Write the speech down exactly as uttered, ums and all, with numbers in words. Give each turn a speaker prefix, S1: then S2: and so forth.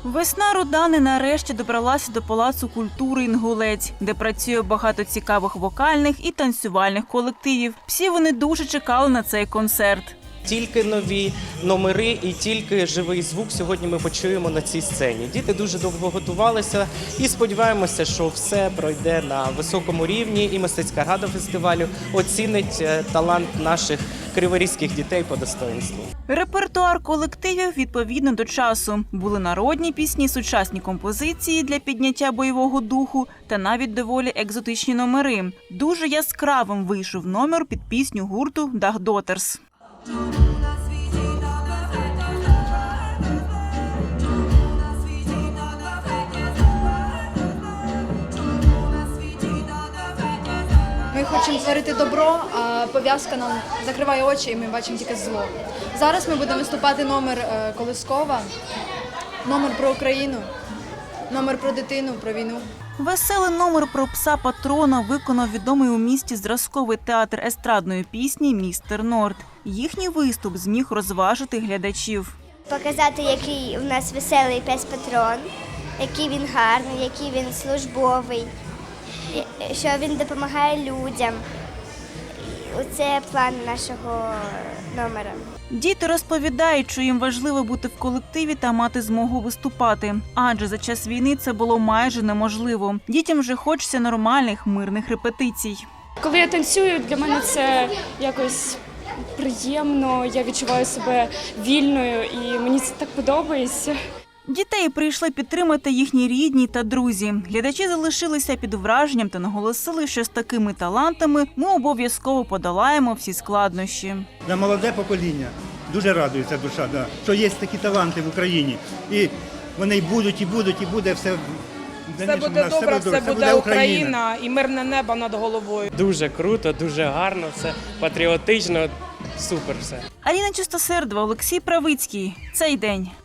S1: Весна Рудани нарешті добралася до Палацу культури «Інгулець», де працює багато цікавих вокальних і танцювальних колективів. Всі вони дуже чекали на цей концерт.
S2: Тільки нові номери і тільки живий звук сьогодні ми почуємо на цій сцені. Діти дуже довго готувалися і сподіваємося, що все пройде на високому рівні і мистецька рада фестивалю оцінить талант наших криворізьких дітей по достоинству.
S1: Репертуар колективів відповідно до часу. Були народні пісні, сучасні композиції для підняття бойового духу та навіть доволі екзотичні номери. Дуже яскравим вийшов номер під пісню гурту «Dag Daughters».
S3: Ми хочемо творити добро, а пов'язка нам закриває очі і ми бачимо тільки зло. Зараз ми будемо виступати номер Колискова, номер про Україну, номер про дитину, про війну.
S1: Веселий номер про пса-патрона виконав відомий у місті зразковий театр естрадної пісні «Містер Норд». Їхній виступ зміг розважити глядачів.
S4: Показати, який у нас веселий пес-патрон, який він гарний, який він службовий, що він допомагає людям. Оце план нашого номера.
S1: Діти розповідають, що їм важливо бути в колективі та мати змогу виступати. Адже за час війни це було майже неможливо. Дітям вже хочеться нормальних, мирних репетицій.
S5: Коли я танцюю, для мене це якось приємно, я відчуваю себе вільною і мені це так подобається.
S1: Дітей прийшли підтримати їхні рідні та друзі. Глядачі залишилися під враженням та наголосили, що з такими талантами ми обов'язково подолаємо всі складнощі.
S6: На молоде покоління дуже радується душа, да, що є такі таланти в Україні. І вони й будуть, і будуть, і буде все.
S7: Все буде добре, все буде, буде Україна і мирне небо над головою.
S2: Дуже круто, дуже гарно, все патріотично, супер все.
S1: Аліна Чистосердова, Олексій Правицький. Цей день.